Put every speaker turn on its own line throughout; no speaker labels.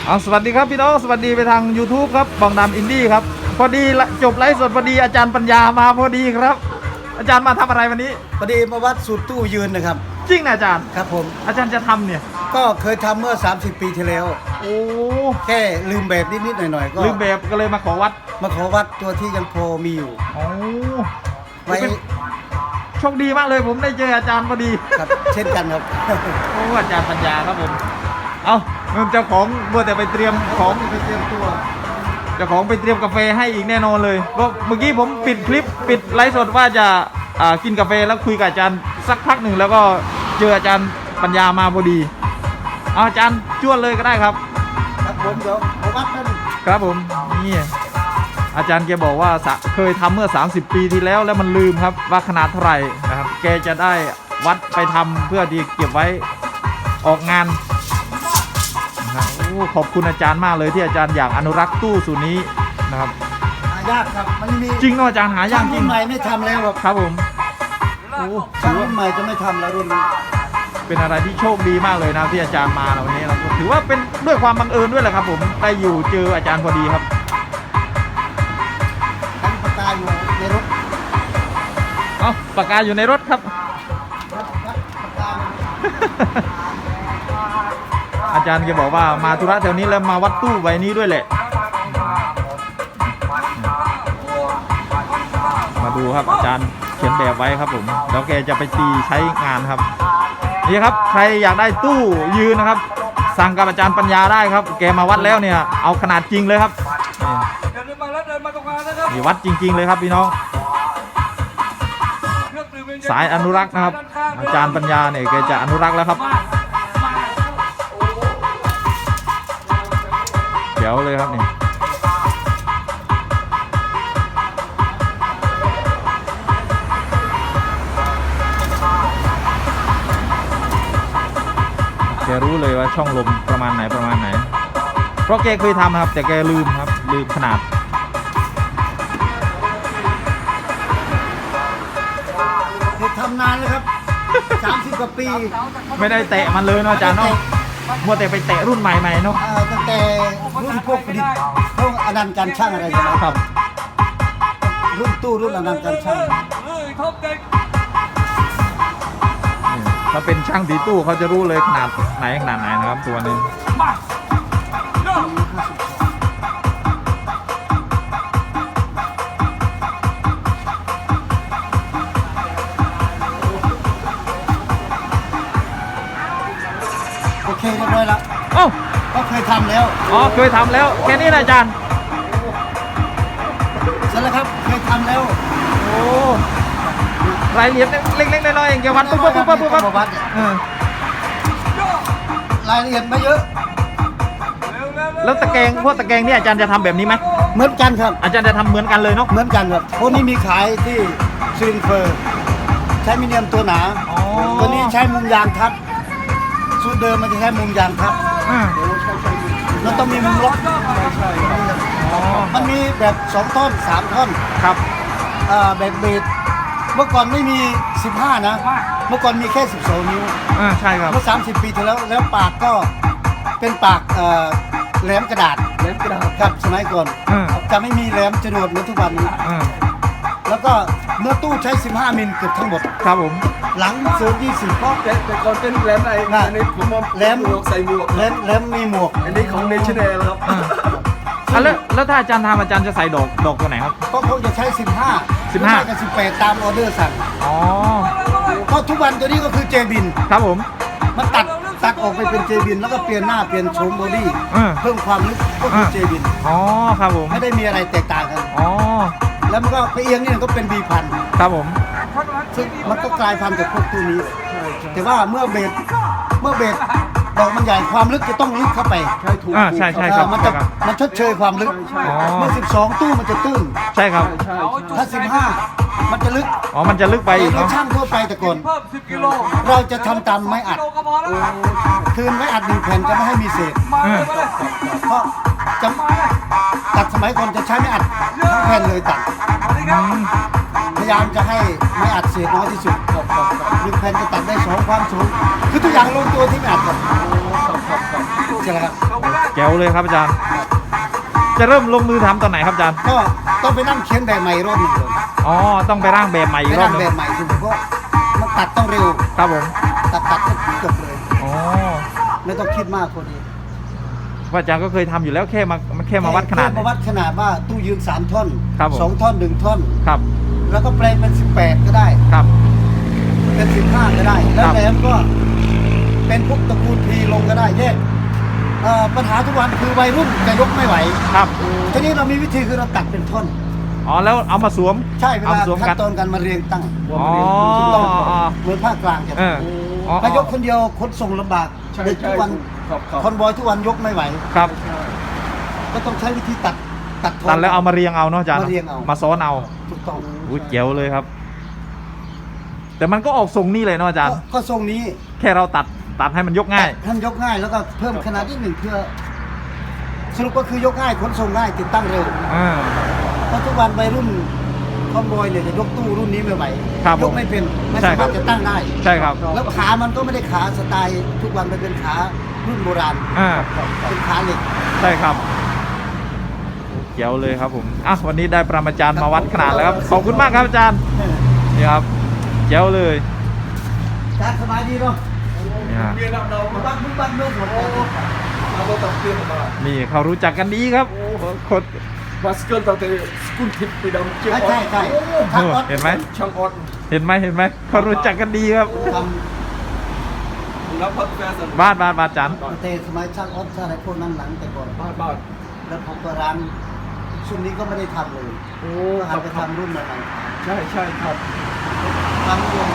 สวัสดีครับพี่น้องสวัสดีไปทาง YouTube ครับบองดำอินดี้ครับพอดีจบไลฟ์สดพอดีอาจารย์ปัญญามาพอดีครับอาจารย์มาทำอะไรวันนี้
พอดีมาวัดสูตรตู้ยืนนะครับ
จริงนะอาจารย์
ครับผม
อาจารย์จะทำเนี่ย
ก็เคยทำเมื่อ30 ปีที่แล้ว
โอ้
แค่ลืมแบบนิดๆหน่อยๆก็
ลืมแบบก็เลยมาขอวัด
ตัวที่ยังพอมีอยู่
โอ้
ไว้
โชคดีมากเลยผมได้เจออาจารย์พอดี
ครับเช่นกันครับ
โอ้อาจารย์ปัญญาครับผมเอาเจ้าของมัวแต่ไปเตรียมของ
ไปเตรียมตัว
เจ้าของไปเตรียมกาแฟให้อีกแน่นอนเลยก็เมื่อกี้ผมปิดคลิปปิดไลฟ์สดว่าจะกินกาแฟแล้วคุยกับอาจารย์สักพักหนึ่งแล้วก็เจออาจารย์ปัญญามาพอดีอาจารย์จ้วนเลยก็ได้ครับ
ครับผมเดี๋ยวผมวัดกัน
ครับผมนี่อาจารย์แกบอกว่าเคยทำเมื่อ30 ปีที่แล้วแล้วมันลืมครับว่าขนาดเท่าไหร่นะครับแกจะได้วัดไปทำเพื่อที่เก็บไว้ออกงานขอบคุณอาจารย์มากเลยที่อาจารย์อยากอนุรักษ์ตู้สูตรนี้นะครับ
หายากครับมันมี
จริงเนาะอาจารย์หายากจริง
รุ่นใหม่ไม่ทำแล้ว
ครับผม
รุ่นใหม่จะไม่ทำแล้วรุ่นนี้
เป็นอะไรที่โชคดีมากเลยนะที่อาจารย์มาวันนี้เราถือว่าเป็นด้วยความบังเอิญด้วยแหละครับผมได้อยู่เจออาจารย์พอดีครับ
ปากกาอยู่ในรถ
ปากกาอยู่ในรถครับอาจารย์แกบอกว่ามาธุระแถวนี้แล้วมาวัดตู้ใบนี้ด้วยแหละมาดูครับอาจารย์เขียนแบบไว้ครับผมแล้วแกจะไปตีใช้งานครับนี่ครับใครอยากได้ตู้ยืนนะครับสั่งกับอาจารย์ปัญญาได้ครับแกมาวัดแล้วเนี่ยเอาขนาดจริงเลยครับนี่วัดจริงๆเลยครับพี่น้องสายอนุรักษ์นะครับอาจารย์ปัญญาเนี่ยแกจะอนุรักษ์แล้วครับเดี๋ยวเลยครับนี่แกรู้เลยว่าช่องลมประมาณไหนเพราะแกเคยทำครับแต่แกลืมครับลืมขนาด
ทำนานเลยครับ30 กว่าปี
ไม่ได้เตะมันเลยเนาะอาจารย์เนาะมัวแต่ไปเตะรุ่นใหม่ๆเนาะ
ตั้งแต่รุ่นพวกประดิษฐ์พวกอนันต์การช่างอะไรอย่างเงี้ย
ครับ
รุ่นตู้รุ่นอนันต์การช่าง
ถ้าเป็นช่างตีตู้เขาจะรู้เลยขนาดไหนนะครับตัวนี้
โอเคเรียบร้อยแล้วก็เคยทำแล้ว
เคยทำแล้วแค่นี้นะอาจารย์
ใช่แล้วครับเคยทำแล้ว
โอ้รายละเอียดเล็กๆน้อยๆอย่างเกี่ยวกับปุ๊บ
รายละเอียดไม่เยอะ
แล้วตะแกรงพวกตะแกรงนี่อาจารย์จะทำแบบนี้ไหม
เหมือนกันครับ
อาจารย์จะทำเหมือนกันเลยเนาะ
เหมือนกันครับพวกนี้มีขายที่ซิลินเฟอร์ใช้มิเนียมตัวหนาตัวนี้ใช้มุมยางทับสูตรเดิมมันจะใช้มุมยางทับมันต้องมีมุมล็อกมันมีแบบ2 ท่อน 3 ท่อน
ครับ
แบบเบสเมื่อก่อนไม่มี15นะเมื่อก่อนมีแค่12 นิ้ว
ใช่ครับ
เมื่อ30 ปีที่แล้วปากก็เป็นปากแหลมกระดาษครับสมัยก่อนจะไม่มีแหลมจรวดเหมือนทุกวันนี้แล้วก็เมื่อตู้ใช้15 มิลเกือบทั้งหมด
ครับผม
หลังเสือ20เพราะ
แต่ก่อนเป็นแหลมอะไรอันนี้ผม
แหลม
ใส่หมวก
แหลมมีหมวก
อันนี้ของเนชั่นแนลครับ
แล้วถ้าอาจารย์ทำอาจารย์จะใส่ดอกตัวไหนครับ
ก็คงจะใช้15กับ18ตามออเดอร์สั่งก็ทุกวันตัวนี้ก็คือเจบิน
ครับผม
มันตัดออกไปเป็นเจบินแล้วก็เปลี่ยนหน้าเปลี่ยนโฉมบอดี้เพิ่มความลึกก็คือเจบิน
ครับผม
ไม่ได้มีอะไรแตกต่างกันแล้วมันก็ไปเอียงนี่ก็เป็นB1000
ครับผม
ซึ่งมันก็กลายพันธุ์กับพวกตู้นี้แต่ว่าเมื่อเบสดอกมันใหญ่ความลึกจะต้องลึกเข้าไป
ใช่ครับ
มันชดเชยความลึกเมื่อ12 ตู้มันจะตื้น
ใช่ครับ
ถ้า15มันจะลึก
มันจะลึกไปอีกเนาะ
ช่างทั่วไปแต่ก่อนเราจะทำตามไม้อัดคืนไม้อัด1 แผ่นจะไม่ให้มีเศษเพราะจะตัดสมัยก่อนจะใช้ไม้อัดทั้งแผ่นเลยตัดพยายามจะให้ไม้อัดเศษน้อยที่สุด1 แผ่นจะตัดได้2 ความสูงคือทุกอย่างลงตัวที่ไม้อัดหมดใช่ไหมครับ
แจ๋วเลยครับอาจารย์ จะเริ่มลงมือทำตอนไหนครับอาจารย์
ก็ต้องไปนั่งเขียนแบบใหม่รอบหนึ่งเลย
อ๋อต้องไปร่างแบบใหม่อี
ไป
กรอ
นั่
บ
ง
หนึ
แบ
ง
บใหม่คือเพราะมันตัดต้องเร็ว
ครับผม
ตัดก็จบเลย
อ๋อ
ไม่ต้องคิดมากพอดี
ว่าอาจารย์ก็เคยทำอยู่แล้วแค่มาวัดขนาด
แค่มาวัดขนาดว่าตู้ยืน3 ท่อน
ครับผม
2 ท่อน 1 ท่อน
ครับ
แล้วก็แปลงเป็น18ก็ได้
ครับ
เป็น15ก็ได้ แล้
คว รับ
แหลมก็เป็นพวกตระกูลพีลงก็ได้แยกปัญหาทุกวันคือวัยรุ่นจะยกไม่ไหว
ครับ
ทีนี้เรามีวิธีคือเราตัดเป็นท่อน
อ๋อแล้วเอามาสวม
ใช่เว
เอา
ลา
มาสวม
ขั้
กัน
นตอนการมาเรียงตั้ง
อ๋อ
เหมือนภาคกลางจะ
เอออ๋อ
ถ้ายกคนเดียวขนส่งลำบาก
ใช่
เด็กทุกวัน
ครับครับ
คอนบอยทุกวันยกไม่ไหว
ครับ
ก็ต้องใช้วิธีตัดท่อน
ตัดแล้วเอามาเรียงเอาเนาะอาจารย์
มาเรียงเอา
มาซ้อนเอา
ถูกต้อง
อุ้ยเจ๋วเลยครับ แต่มันก็ออกทรงนี่เลยเนาะอาจารย์
ก็ทรงนี้
แค่เราตัดให้มันยกง่าย
ท่านยกง่ายแล้วก็เพิ่มขนาดนิดหนึ่งเพื่อ สรุปก็คือยกง่ายขนส่งง่ายติดตั้งเร็ว
อ่า
เพราะทุกวันวัยรุ่นคอนบอยเนี่ยจะยกตู้รุ่นนี้ไม่ไหว
ครับ
ยกไม่เป็นไม่
ใช่
สา
ครั
มาร
บ
ถจะตั้งได้
ใช่ครับ
แล้วขามันก็ไม่ได้ขาสไตล์ทุกวันมันเป็นขารุ่นโบราณ
อ่า
เป็นขาเหล็ก
ใช่ครับเจ๋วเลยครับผมอ่ะวันนี้ได้ปรมาจารย์มาวัดขนาดแล้วครับขอบคุณมากครับอาจารย์นี่ครับเจ๋วเลย
การสบายดีเนาะ
นี่ฮะ
เรียนเรา
มึงบ้านมึงบ้านเมืองหมดเลย
เราต้องเรียนมา
นี่เขารู้จักกันดีครับคน
มาสเกิลตั้งแต่สกุลทิพย์ไปดำเจีย
ใช่ใช่ใช่ทางออด
เห็นไหม
ช่างออด
เห็นไหมเขารู้จักกันดีครับ
ท
รับพัดแฟชั่น
บ้านอาจารย์
ำเตสมัยช่างออดช่างอะไรพวกนั้นหลังแต่ก่อน
บ้าน
แล้วผมก็ร้านชุดนี้ก็ไม่ได้ทำเลย
โอ้
ก็หันไปทำรุ่นใหม่
ใช่ใช่ครับ
ๆทำรวม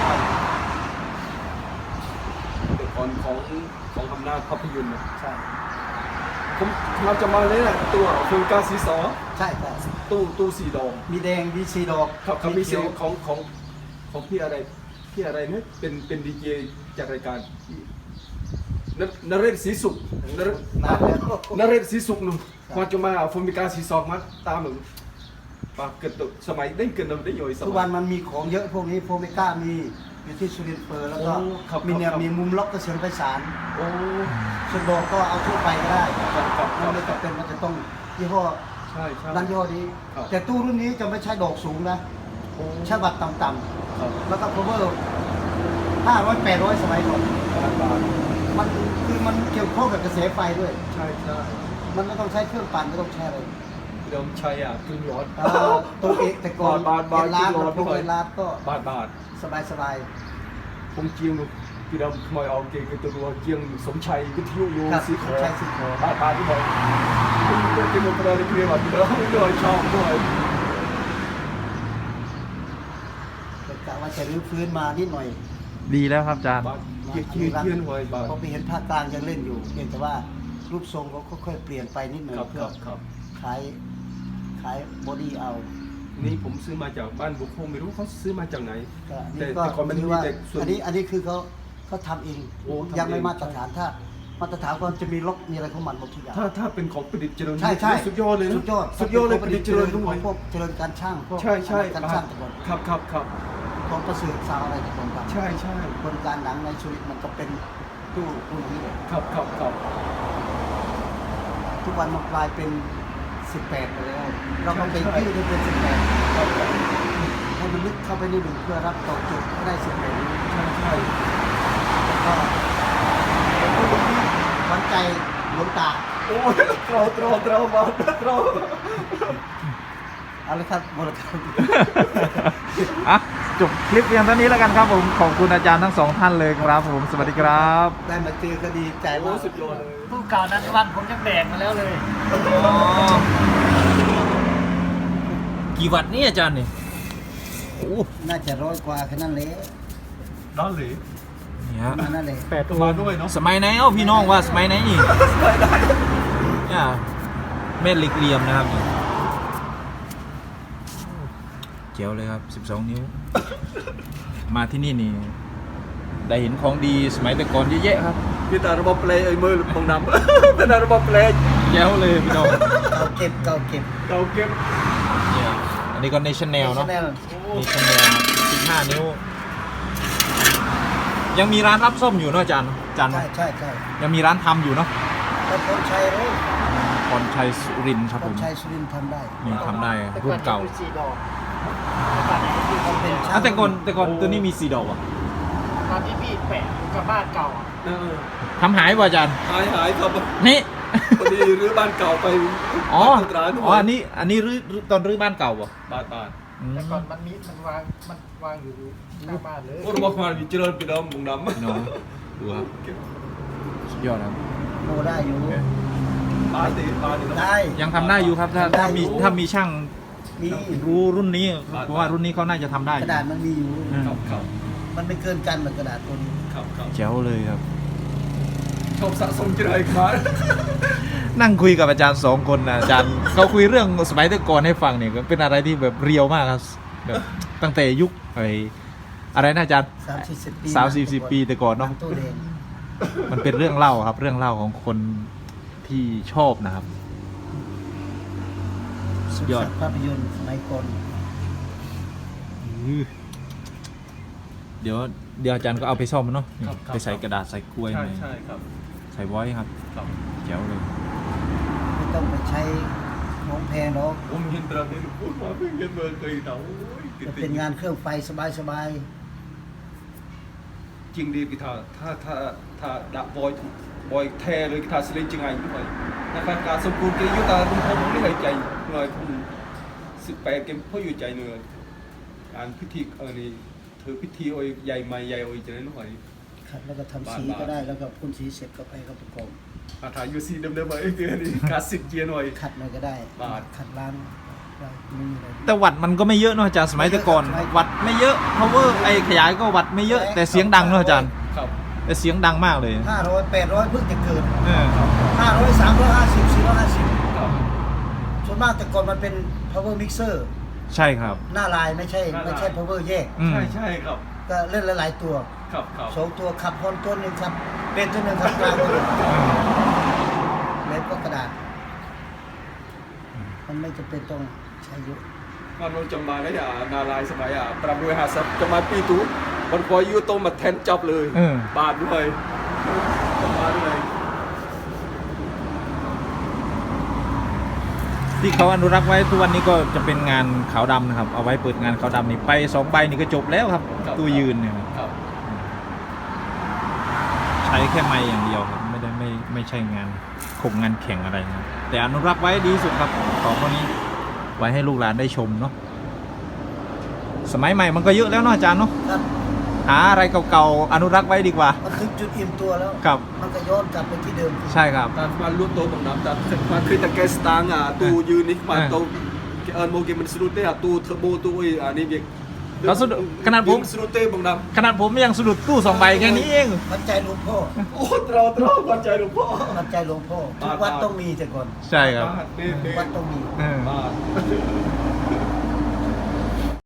แต่ก่อนของอำนาจภาพยนตร์นะ
ใช่
ผมเราจะมาเลยนะตัวเฟิร์นกาสีสอ
ใช่ใช่
ตู้สีดอง
มีแดงมีสีดอก
ครับมีเสียง
ขียว
ของพี่อะไรเนี่ยเป็นดีเจจากรายการนเรศศรีสุขนเรศ
นานแล้ว
นเรศศรีสุขหนุ่มมาจะมาฟอร์มิกาสีซอกมาตามหนึ่งปากเกิดตุสมัยได้เกิดเราได้ย่อยส
ทุก
มั
วั
ย
นมันมีของเยอะพวกนี้โฟมิก้ามีอยู่ที่สุรินทร์เฟอร์แล้วก็
โอ้ครับ
มีเนี่ย
ครับ
มีมุมล็อกเกษมไพศาล
โอ้
ส่วนดอกก็เอาทั่วไปก็ได้
ครับ
มันไม่จำเป็นมันจะต้องยี่ห้อ
ใช่ใช่
ร้านยี่ห้อนี้
ครับ
แต่ตู้รุ่นนี้จะไม่ใช้ดอกสูงนะ
โอ้
ใช้บัตรต่ำ
ครับ
ๆแล้วก็ cover 500 800สมัยก่อน
บาท
มันคือมันเกี่ยวข้องกับกระแสไฟด้วย
ใช่ใช่
มันไม่ต้องใช้เครื่องปั่นไม่ต้องใช้อะไร
เดิมใช้กึ่งร้อน
ตัวเอกแต่ก่อน
บาท
เอ็นลาด
บาท
พวกเอ็นลาดก็
บาท
สบาย
ผมเจียงพี่ดำขโมยเอาเกงตัวเจียงสมชัยวิทยุโย
ครับ
สีขอ
ใช่สีขอ
บาทที่บอกผมเป็นคนประเดี๋ยวเรียนแบบเดิมด้วยชอบด้วย
แต่กะว่าจะรื้อฟื้นมานิดหน่อย
ดีแล้วครับอาจารย์
บาทเทียนหวยบาท
พอไปเห็นภาคกลางยังเล่นอยู่เพียงแต่ว่ารูปทรงเขาค่อยๆเปลี่ยนไปนิดหน่อย
ครับ
เพื่
ค
อ
รับครับ
ขายบอดี้เอา
นี่ผมซื้อมาจากบ้านบุคคลไม่รู้เขาซื้อมาจากไหน
ก็
แต่
นี่ก็
แต่ก่อนมัน
ถือ
มี
ว่า
แต่ส่วน
อันนี้คือเขาทำเอง
โอ้ทำเอง
ยังไม่มาตรฐานถ้ามาตรฐานก็จะมีล็อกมีอะไรของมันหมดทุกอย่าง
ถ้าเป็นของประดิษฐ์เจริญ
ใช่ใช่
สุดยอดเลยนะ
สุดยอด
สุดยอดเลยประดิษฐ์เจริญด้
ข
ว
อย งพวกเจริญการช่างพวก
ใช่ใช่
การช่างแต่ก่อน
ครับครับครับ
ของประเสริฐซาวอะไรแต่ก่อนครับ
ใช่ใช่
คนการหนังในชีวิตมันก็เป็นตู้นี้เลย
ครับครับครับ
ทุกวันมันกลายเป็น 18ไปแล้ว เราก็ไปยืดให้เป็น 18
ครับครับ
ให้มันลึกเข้าไปในหนึ่งเพื่อรับตอบโจทย์ให้ได้18นี้
ใช่ใช่
ก็เป็นผู้ที่หวังใจหลวงตา
โอ้ยตรอมาตรอ
เอาเลยครับบริการ
อ่ะจบคลิปเพียงเท่านี้แล้วกันครับผมขอบคุณอาจารย์ทั้งสองท่านเลยครับผมสวัสดีครับ
ได้มาเจอก็ดีใจ
โอ้
มาก
สุดยอดเลย
ผู้เก่านั้นวันผมยังแบกมาแล้วเลย
กี่วัตต์นี่อาจารย์นี่โอ้
น่าจะ100 กว่าแค่นั้นเลย
ด้านหรือ
นี่ฮะ
นั่นเลย
มาด้วยเนาะ
สมัยไหนพี่น้องว่าสมัยไหนนี่เนี่ยเม็ดเหล็กเหลี่ยมนะครับนี่เจ๋วเลยครับ12 นิ้ว มาที่นี่นี่ได้เห็นของดีสมัยแต่ก่อนเยอะแยะครับ
พี่ตาระบบเพลย์ไอ้มือบังนำพี่ตาระบบเพลย์
แจ๋วเลยพี่น้อง
เก่าเก็บ
เก่าเก็บ
เนี่ยอันนี้ก็ National เนาะ
National
National 15 นิ้ว ยังมีร้านรับส้มอยู่เนาะอาจารย์
ใช่
ยังมีร้านทำอยู่เนาะ
ก็แต่คนชัยเลย
พรชัยสุรินทร์ครับ
ค
ผ
น
ม
ชัยสุรินทร์ทำได้
นี่ทำได้รุ่นเก่า
4 ดอกตอนไหนที่ผมเป็น
อ่ะแต่ก่อนตัวนี้มี4 ดอกอ่ะ
ตอนที่พี่แปะอยู่กับบ้านเก่าอะ
เออ
ทำหายป่ะอาจารย์
หายครับ
นี่
พอดีรื้อบ้านเก่าไป
อ๋อ
บ้านร้าน
อ๋ออันนี้รื้อตอนรื้อบ้านเก่าป่ะ
บ้าน
อืม
แต่ก่อนมันวางอยู่หน้าบ้านเลย
โอ้ระบบมามีเจริญไปดอมบุงดำ
พี่น้องดูครับสุดยอดครับ
โมได้อยู่
บ้านตีบ้านนี่
ได้
ยังทำได้อยู่ครับถ้ามีช่าง
มี
รู้รุ่นนี้เพราะว่ารุ่นนี้เขาน่าจะทำได้
กระดาษมันมีอยู่
อืม
ครับ
มันไม่เกินกันเหมือนกระดาษตัวนี้
ครับ
แจ๋วเลยครับ
ชอบสะสมเจริญมา
นั่งคุยกับอาจารย์2 คนนะอาจารย์เขาคุยเรื่องสมัยแต่ก่อนให้ฟังเนี่ยก็เป็นอะไรที่แบบเรียวมากครับแบบตั้งแต่ยุคอะไรนะอาจารย์
30-40 ปี
30-40 ปีแต่ก่อนเนาะ
ตู้แดง
มันเป็นเรื่องเล่าครับ เรื่องเล่าของคนที่ชอบนะครับสุดยอด
ภาพยนตร์สมัยก่อน
เดี๋ยวอาจารย์ก็เอาไปซ่อมมันเนาะนี่ไปใส่กระดาษใส่กล้วย
ใช่
ไหม
ใช่ครับ
ใส่ไว้ครับ
ครับ
แจ๋วเลย
ไม่ต้องไปใช้ของแพงหรอก
ผมเห็นตราเดินพูดมาเพิ่งเห็นเบอร์เคยเดา
มันเป็นงานเครื่องไฟสบาย
จริงดีกีตาร์ถ้าดับบอยแท้เลยกีตาร์สลิงจริงไงด้วยนะครับการสมบูรณ์กียุตาลุงพงไม่เคยใจหน่อยผม18 เกมพ่ออยู่ใจเหนื่อยการพิธีนี่ถือพิธีโอยใหญ่ไม่ใหญ่โอยจะได้หน่อย
ๆขัดแล้วก็ทำสีก็ได้แล้วก็พ่นสีเสร็จก็ไปก็ประกอบ
อาถ่ายยูซีเดิมๆไปเดือนนี้คลาสสิกเจียหน่อย
ขัดหน่อยก็ได้
บาท
ขัดร้านได้ไม่มีอะไร
แต่วัดมันก็ไม่เยอะเนาะอาจารย์สมัยแต่ก่อน
ไม่เยอะ
วัดไม่เยอะ power ขยายก็วัดไม่เยอะ แต่เสียงดังเนาะอาจารย์
ครับ
แต่เสียงดังมากเลย
500 800เพิ่งจะเกิด
เออ
500 350 450
ครับ
ส่วนมากแต่ก่อนมันเป็น power mixer
ใช่ครับ
หน้าลายไม่ใช่ power แยก
อืม
ใช่ครับ
ก็เล่นหลายๆตัว
ครับครับ
2 ตัวขับฮอนตัวหนึ่งครับเป็นตัวหนึ่งครับกลางตัวหนึ่งแล้วก็กระดาษ มันไม่จำเป็นต้องใช้เยอะ
มันเราจำมาแล้วนาลายสมัยปรับด้วย50จะมาปีตู้มันพอยูโตมาแทนจับเลย
เออ
บาทด้วยจำมาด้วย
ที่เขาอนุรักษ์ไว้ทุกวันนี้ก็จะเป็นงานขาวดำนะครับ เอาไว้เปิดงานขาวดำนี่ไป2 ใบนี่ก็จบแล้วครับ ตัวยืนเนี่ยครับ
ครับ
ใช้แค่ไม้อย่างเดียวครับไม่ใช่งานคงงานแข่งอะไรนะแต่อนุรักษ์ไว้ดีที่สุดครับของพวกนี้ไว้ให้ลูกหลานได้ชมเนาะสมัยใหม่มันก็เยอะแล้วเนาะอาจารย์เนาะ
ครับ
หาอะไรเก่าๆอนุรักษ์ไว้ดีกว่า
มันถึงจุดอิ่มตัวแล้ว
ครับ
มันก็ย้อนกลับไปที่เดิม
ใช่ครับ
แต่มาลุ้นโตบังน้ำแต่มาคือตะแกสตางตูยืนนี่มาโตโมเกมันสรุปได้ตูเทอร์โบตูนี่เด็ก
เราสะดุดขนาดผม
สรุปเต้บังน้
ขนาดผมยังสะดุดตู้2 ใบแค่นี้เอง
มันใจหลวงพ่อ
ำโอ้ตรอปัจจัยหลวงพ่อ
มันใจหลวงพ่อทุกวัดต้องมีแต่ก่อน
ใช่ครับ
ทุกวัดต้องมี
เออ
บาท